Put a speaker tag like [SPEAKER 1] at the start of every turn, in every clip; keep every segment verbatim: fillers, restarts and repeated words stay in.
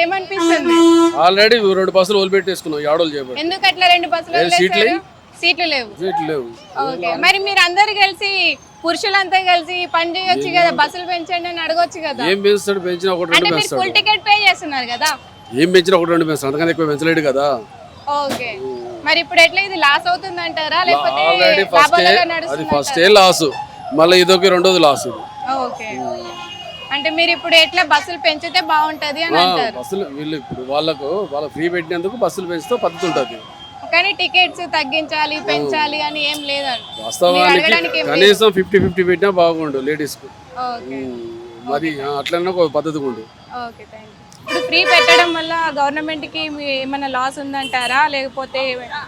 [SPEAKER 1] ఏమనిపిస్తుంది?
[SPEAKER 2] ఆల్రెడీ రెండు బస్సులు వదిలిపెట్టేసుకున్నాం యాడోలు చేయబట్టి.
[SPEAKER 1] ఎందుకు అట్లా రెండు బస్సులు
[SPEAKER 2] సీట్లు
[SPEAKER 1] వదిలేశారు? సీట్లు లేవు.
[SPEAKER 2] సీట్లు లేవు.
[SPEAKER 1] ఓకే, మరి మీరు అందరు కలిసి పురుషులంతా కలిసి పని చేయొచ్చు కదా, బస్సులు పెంచండి అని అడగొచ్చు కదా.
[SPEAKER 2] ఏం పెంచుతాడు? పెంచినా ఒకటి
[SPEAKER 1] అంటే
[SPEAKER 2] రెండు
[SPEAKER 1] మీరు
[SPEAKER 2] పెంచుతాడు.
[SPEAKER 1] ఫుల్ టికెట్ పే చేస్తున్నారు కదా.
[SPEAKER 2] ఏం పెంచినా ఒకటి రెండు పెంచుతాడు, అంతకన్నా ఎక్కువ పెంచలేడు కదా.
[SPEAKER 1] ఓకే, మరి ఇప్పుడు ఎట్లా ఇది లాస్ అవుతుంది అంటారా లేకపోతే
[SPEAKER 2] ఆల్రెడీ ఫస్ట్
[SPEAKER 1] లాభాలుగా
[SPEAKER 2] అది
[SPEAKER 1] నడుస్తుందా?
[SPEAKER 2] ఫస్ట్ ఏ లాస్, మళ్ళీ ఇదొక రెండోది లాస్ ఇది.
[SPEAKER 1] ఓకే, అంటే మీరు ఇప్పుడు ఎట్లా బస్సులు పెంచితే బాగుంటది అని అంటారు.
[SPEAKER 2] బస్సులు వీళ్ళు ఇప్పుడు వాళ్ళకు వాళ్ళ ఫ్రీ పెట్టినందుకు బస్సులు పెంచితే పద్ధతి ఉంటుంది.
[SPEAKER 1] కానీ టికెట్స్ తగ్గించాలి పెంచాలి అని ఏం లేదండి.
[SPEAKER 2] వాస్తవానికి కనీసం ఫిఫ్టీ ఫిఫ్టీ పెట్టినా బాగుండు లేడీస్ కు.
[SPEAKER 1] ఓకే,
[SPEAKER 2] మరి అట్లనే ఒక పద్ధతి ఉండు.
[SPEAKER 1] Okay, thank you. ఇప్పుడు ఫ్రీ పెట్టడం వల్ల గవర్నమెంట్ కి ఏమైనా లాస్ ఉందంటారా లేకపోతే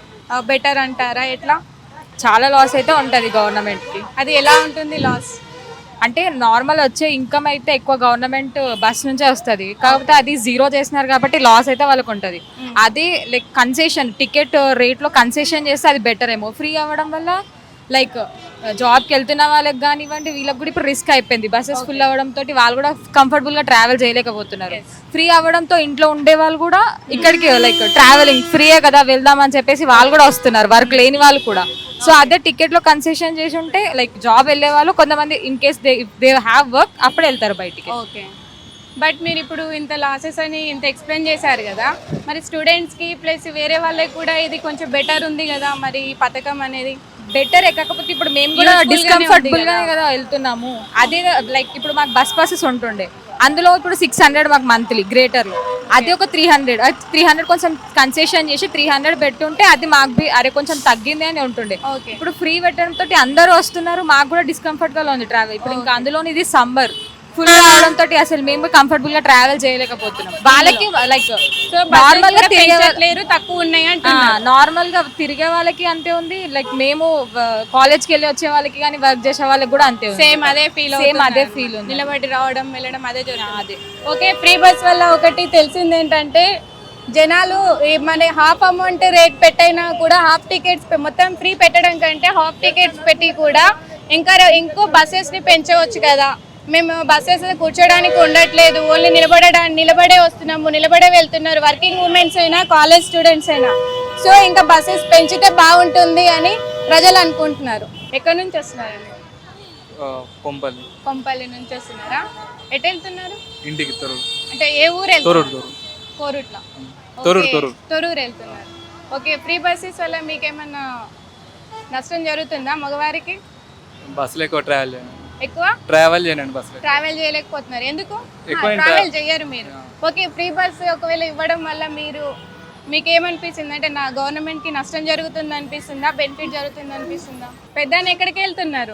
[SPEAKER 1] బెటర్ అంటారా? ఎట్లా?
[SPEAKER 3] చాలా లాస్ అయితే ఉంటుంది గవర్నమెంట్కి.
[SPEAKER 1] అది ఎలా ఉంటుంది లాస్?
[SPEAKER 3] అంటే నార్మల్ వచ్చే ఇన్కమ్ అయితే ఎక్కువ గవర్నమెంట్ బస్ నుంచే వస్తుంది, కాకపోతే అది జీరో చేసినారు కాబట్టి లాస్ అయితే వాళ్ళకు ఉంటుంది. అది లైక్ కన్సెషన్ టికెట్ రేట్లో కన్సెషన్ చేస్తే అది బెటర్ ఏమో. ఫ్రీ అవ్వడం వల్ల లైక్ జాబ్కి వెళ్తున్న వాళ్ళకి కానివ్వండి వీళ్ళకి కూడా ఇప్పుడు రిస్క్ అయిపోయింది. బస్సెస్ ఫుల్ అవ్వడంతో వాళ్ళు కూడా కంఫర్టబుల్గా ట్రావెల్ చేయలేకపోతున్నారు. ఫ్రీ అవ్వడంతో ఇంట్లో ఉండే వాళ్ళు కూడా ఇక్కడికి లైక్ ట్రావెలింగ్ ఫ్రీయే కదా వెళ్దామని చెప్పేసి వాళ్ళు కూడా వస్తున్నారు, వర్క్ లేని వాళ్ళు కూడా. సో అదే టికెట్లో కన్సెషన్ చేసి ఉంటే లైక్ జాబ్ వెళ్ళే వాళ్ళు కొంతమంది in case they they have work అప్పుడు వెళ్తారు బయటికి.
[SPEAKER 1] ఓకే, బట్ మీరు ఇప్పుడు ఇంత లాసెస్ అని ఇంత ఎక్స్ప్లెయిన్ చేశారు కదా, మరి స్టూడెంట్స్కి ప్లస్ వేరే వాళ్ళకి కూడా ఇది కొంచెం బెటర్ ఉంది కదా మరి ఈ పథకం అనేది.
[SPEAKER 3] బెటర్ కాకపోతే ఇప్పుడు మేము కూడా డిస్కంఫర్టబుల్ గానే కదా వెళ్తున్నాము. అదే లైక్ ఇప్పుడు మాకు బస్ పాసెస్ ఉంటుండే, అందులో ఇప్పుడు సిక్స్ హండ్రెడ్ మాకు మంత్లీ గ్రేటర్లో, అది ఒక త్రీ హండ్రెడ్ త్రీ హండ్రెడ్ కొంచెం కన్సెషన్ చేసి త్రీ హండ్రెడ్ పెట్టుంటే అది మాకు బి అరే కొంచెం తగ్గింది అని ఉంటుండే. ఇప్పుడు ఫ్రీ పెట్టడం తోటి అందరూ వస్తున్నారు, మాకు కూడా డిస్కంఫర్ట్ గా ఉంది ట్రావెల్. ఇప్పుడు ఇంకా అందులో ఇది సమ్మర్ ఫుల్ రావడం తోటి అసలు మేము కంఫర్టబుల్ గా ట్రావెల్ చేయలేకపోతున్నాం. వాళ్ళకి లైక్ నార్మల్ గా తిరిగేలేరు
[SPEAKER 1] తక్కువ ఉన్నాయి అంటే
[SPEAKER 3] నార్మల్ గా తిరిగే వాళ్ళకి అంతే ఉంది, లైక్ మేము కాలేజ్ కి వెళ్ళి వచ్చే వాళ్ళకి కానీ వర్క్ చేసే వాళ్ళకి కూడా అంతే ఉంది.
[SPEAKER 1] సేమ్ అదే ఫీల్
[SPEAKER 3] సేమ్ అదే ఫీల్ ఉంది.
[SPEAKER 1] నిలబడి రావడం వెళ్ళడం అదే జరుగుతుంది. ఓకే, ఫ్రీ బస్ వల్ల ఒకటి తెలిసింది ఏంటంటే జనాలు మన హాఫ్ అమౌంట్ రేట్ పెట్టైనా కూడా హాఫ్ టికెట్స్ మొత్తం ఫ్రీ పెట్టడం కంటే హాఫ్ టికెట్స్ పెట్టి కూడా ఇంకా ఇంకో బస్సెస్ ని పెంచవచ్చు కదా. మేము బస్సెస్ కూర్చోడానికి ఉండట్లేదు, ఓన్లీ నిలబడడానికి నిలబడే వస్తున్నాము, నిలబడే వెళ్తున్నారు వర్కింగ్ ఉమెన్స్ అయినా కాలేజ్ స్టూడెంట్స్ అయినా. సో ఇంకా బస్సెస్ పెంచితే బాగుంటుంది అని ప్రజలు అనుకుంటున్నారు. ఎక్కడి నుంచి వస్తున్నారండి?
[SPEAKER 4] కొంపల్లి.
[SPEAKER 1] కొంపల్లి నుంచి వస్తున్నారా? ఎటు వెళ్తున్నారు?
[SPEAKER 4] ఇంటికి. తొర్రూరు.
[SPEAKER 1] అంటే ఏ ఊరు వెళ్తున్నారు?
[SPEAKER 4] తొర్రూరు.
[SPEAKER 1] కోరుట్ల.
[SPEAKER 4] తొర్రూరు తొర్రూరు
[SPEAKER 1] తొర్రూరు వెళ్తున్నారు. ఓకే, ఫ్రీ బస్సెస్ వల్ల మీకేమన్నా నష్టం జరుగుతుందా మగవారికి?
[SPEAKER 4] బస్సులో ఎక్కువ ట్రావెల్ చేయను.
[SPEAKER 1] ఎక్కువ
[SPEAKER 4] ట్రావెల్ చేయనండి బస్సులో.
[SPEAKER 1] ట్రావెల్ చేయలేకపోతున్నారు ఎందుకు?
[SPEAKER 4] ఎక్కువ
[SPEAKER 1] ట్రావెల్ చేయరు మీరు. ఓకే, ఫ్రీ బస్ ఒకవేళ ఇవ్వడం వల్ల మీరు మీకు ఏమనిపిస్తుంది? అంటే నా గవర్నమెంట్ కి నష్టం జరుగుతుంది అనిపిస్తుందా, బెనిఫిట్ జరుగుతుంది అనిపిస్తుందా? పెద్ద ఎక్కడికి వెళ్తున్నారు?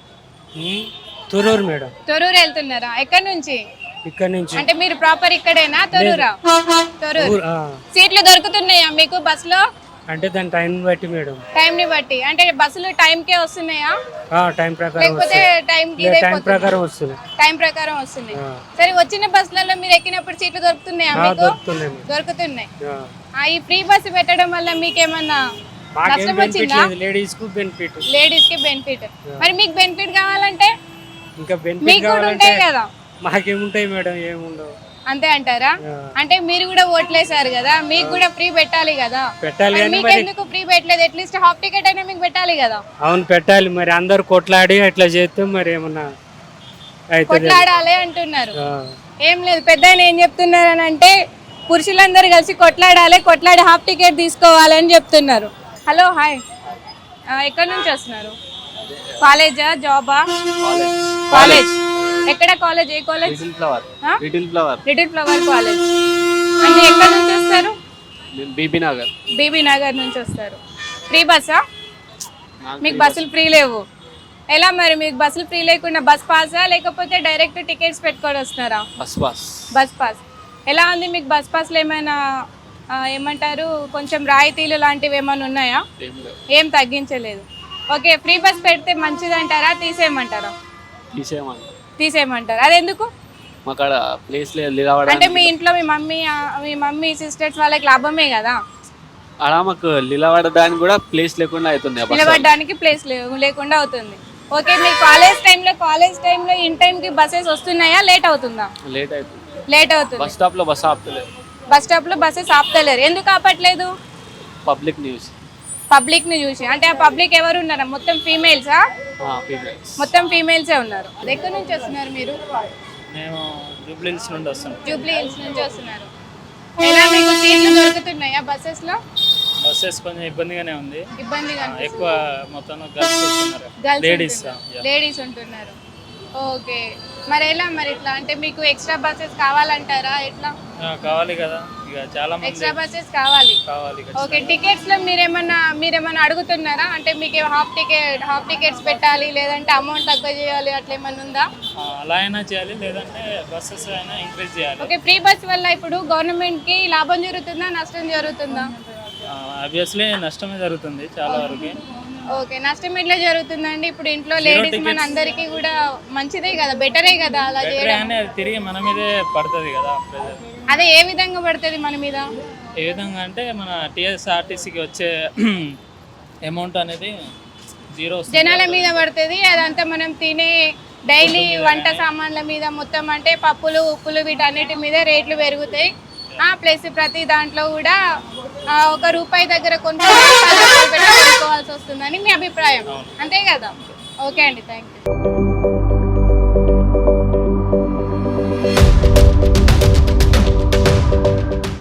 [SPEAKER 5] తొర్రూరు మేడం.
[SPEAKER 1] తొర్రూరు వెళ్తున్నారా? ఎక్కడి నుంచి?
[SPEAKER 5] ఇక్కడ నుంచి.
[SPEAKER 1] అంటే మీరు ప్రాపర్ ఇక్కడేనా? తొర్రూరా? తొర్రూరు. సీట్లు దొరుకుతున్నాయా మీకు బస్ లో?
[SPEAKER 5] అంటే దాని టైం బట్టి మేడం.
[SPEAKER 1] టైం ని బట్టి అంటే బస్సులు టైం కే వస్తున్నాయా
[SPEAKER 5] టైం ప్రకారం
[SPEAKER 1] లేకపోతే టైం
[SPEAKER 5] టైం ప్రకారం వస్తుంది?
[SPEAKER 1] టైం ప్రకారం వస్తున్నాయి. సరే, వచ్చిన బస్సులలో మీరు ఎక్కినప్పుడు సీట్లు దొరుకుతున్నాయా మీకు? దొరుకుతున్నాయి. ఈ ఫ్రీ బస్ పెట్టడం వల్ల మీకేమన్నా నష్టం వచ్చిందా?
[SPEAKER 5] లేడీస్ కు బెనిఫిట్.
[SPEAKER 1] లేడీస్ కి బెనిఫిట్. మరి మీకు బెనిఫిట్ కావాలంటే
[SPEAKER 5] ఇంకా బెనిఫిట్
[SPEAKER 1] మీకు కూడా ఉంటాయి కదా.
[SPEAKER 5] మాకేముంటాయి మేడం? ఏముండవు.
[SPEAKER 1] అంతే అంటారా? అంటే మీరు కూడా ఓట్లేసారు కదా, మీకు కూడా ఫ్రీ పెట్టాలి కదా.
[SPEAKER 5] పెట్టాలి.
[SPEAKER 1] మీకు ఎందుకు ఫ్రీ పెట్టలేదు? అట్లీస్ట్ హాఫ్ టికెట్ అయినా మీకు పెట్టాలి కదా.
[SPEAKER 5] అవును, పెట్టాలి. మరి అందరు కొట్లాడి అట్లా చేస్తే మరి ఏమన్నా
[SPEAKER 1] కొట్లాడాలి అంటున్నారు. ఏం లేదు, పెద్ద ఏం చెప్తున్నారు అని అంటే పురుషులందరూ కలిసి కొట్లాడాలి, కొట్లాడి హాఫ్ టికెట్ తీసుకోవాలి అని చెప్తున్నారు. హలో, హాయ్, ఎక్కడి నుంచి వస్తున్నారు? కాలేజా, జాబా? కాలేజ్. ఎక్కడ కాలేజ్? ఏ college?
[SPEAKER 4] Little flower. Little flower.
[SPEAKER 1] Little flower college. అంటే ఎక్కడ నుంచి వస్తారు?
[SPEAKER 4] బీబీ నగర్.
[SPEAKER 1] బీబీ నగర్ నుంచి వస్తారు. ఫ్రీ బస్సా? మీకు బస్సులు ఫ్రీ లేవు. ఎలా మరి మీకు బస్సులు ఫ్రీ లేకుండా బస్ పాసా లేకపోతే డైరెక్ట్ టికెట్స్ పెట్టుకొని వస్తున్నారా?
[SPEAKER 4] Bus pass.
[SPEAKER 1] Bus pass. ఎలా ఉంది మీకు బస్ పాస్లో? ఏమైనా ఏమంటారు కొంచెం రాయితీలు లాంటివి ఏమైనా ఉన్నాయా? ఏం తగ్గించలేదు. ఓకే, ఫ్రీ బస్ పెడితే మంచిది అంటారా, తీసేయమంటారా?
[SPEAKER 4] తీసేయమంటారు.
[SPEAKER 1] తీసేయమంటారు. అది ఎందుకు?
[SPEAKER 4] మాకాడ ప్లేస్ లేదు.
[SPEAKER 1] అంటే మీ ఇంట్లో మీ మమ్మీ మీ మమ్మీ సిస్టర్స్ వాళ్ళకి లాభమే కదా.
[SPEAKER 4] అలా మాకు నిలబడడానికి కూడా ప్లేస్ లేకుండా అవుతుంది.
[SPEAKER 1] నిలబడడానికి ప్లేస్ లేకుండా అవుతుంది. ఓకే, మీ కాలేజ్ టైంలో కాలేజ్ టైంలో ఇన్ టైంకి బస్సెస్ వస్తున్నాయా? లేట్ అవుతుందా?
[SPEAKER 4] లేట్ అవుతుంది.
[SPEAKER 1] లేట్ అవుతుంది.
[SPEAKER 4] బస్ స్టాప్ లో బస్ ఆపుతలేదు.
[SPEAKER 1] బస్ స్టాప్ లో బస్సెస్ ఆపుతలేరు, ఎందుకు ఆపట్లేదు?
[SPEAKER 4] పబ్లిక్ న్యూస్
[SPEAKER 1] పబ్లిక్ ని చూసి. అంటే ఆ పబ్లిక్ ఎవరు ఉన్నారా? మొత్తం ఫీమేల్సా? మొత్తం ఫీమేల్సే ఉన్నారు. ఎక్కడి నుంచి వస్తున్నారు మీరు?
[SPEAKER 6] మేము జూబ్లీ హిల్స్ నుండి వస్తున్నాం.
[SPEAKER 1] జూబ్లీ హిల్స్ నుంచి వస్తున్నారు. ఎలా మీకు సీట్లు దొరుకుతున్నాయా బస్సెస్ లో?
[SPEAKER 6] బస్సెస్ కొంచెం ఇబ్బందిగానే ఉంది.
[SPEAKER 1] ఇబ్బందిగా
[SPEAKER 6] ఆ, ఎక్కువ మొత్తం గర్ల్స్ వస్తున్నారు,
[SPEAKER 1] గర్ల్స్
[SPEAKER 6] లేడీస్.
[SPEAKER 1] లేడీస్ ఉంటున్నారు. ఓకే, మరి ఎలా మరి ఇట్లా అంటే మీకు ఎక్స్ట్రా బస్సెస్ కావాలంటారా? ఎట్లా
[SPEAKER 6] కావాలి కదా, ఇక చాలా మంది
[SPEAKER 1] ఎక్స్ట్రా బస్సెస్ కావాలి.
[SPEAKER 6] కావాలి.
[SPEAKER 1] ఓకే, టికెట్స్ లో మీరేమన్నా మీరేమన్నా అడుగుతున్నారా? అంటే మీకు హాఫ్ టికెట్ హాఫ్ టికెట్స్ పెట్టాలి, లేదంటే అమౌంట్ తక్కువ చేయాలి, అట్లా ఏమన్నా ఉందా?
[SPEAKER 6] ఆ, అలా అయినా చేయాలి, లేదంటే బస్సెస్ అయినా ఇంక్రీజ్ చేయాలి.
[SPEAKER 1] ఓకే, ఫ్రీ బస్ వల్ల ఇప్పుడు గవర్నమెంట్ కి లాభం జరుగుతుందా, నష్టం జరుగుతుందా?
[SPEAKER 6] ఆబ్వియస్లీ నష్టమే జరుగుతుంది చాలా వరకు.
[SPEAKER 1] ఓకే, నష్టం ఎట్లా జరుగుతుందండి? ఇప్పుడు ఇంట్లో లేడీస్ మన అందరికీ కూడా మంచిదే కదా, బెటరే కదా అలా
[SPEAKER 6] బెటరే
[SPEAKER 1] చేయడం.
[SPEAKER 6] అని అది తిరిగి మన మీదే పడుతుంది కదా ప్రెజర్.
[SPEAKER 1] అదే ఏ విధంగా పడుతుంది మన మీద?
[SPEAKER 6] ఏ విధంగా అంటే మన టీఎస్ఆర్టీసీకి వచ్చే అమౌంట్ అనేది జీరో వస్తుంది.
[SPEAKER 1] జనాల మీద పడుతుంది. అదంతా మనం తినే డైలీ వంట సామాన్ల మీద మొత్తం, అంటే పప్పులు ఉప్పులు వీటన్నిటి మీద రేట్లు పెరుగుతాయి. ప్లస్ ప్రతి దాంట్లో కూడా ఆ, ఒక రూపాయి దగ్గర కొనుక్కోవాలి, పది రూపాయలు పెట్టి కొనుక్కోవాల్సి వస్తుందని మీ అభిప్రాయం, అంతే కదా? ఓకే అండి, థ్యాంక్ యూ.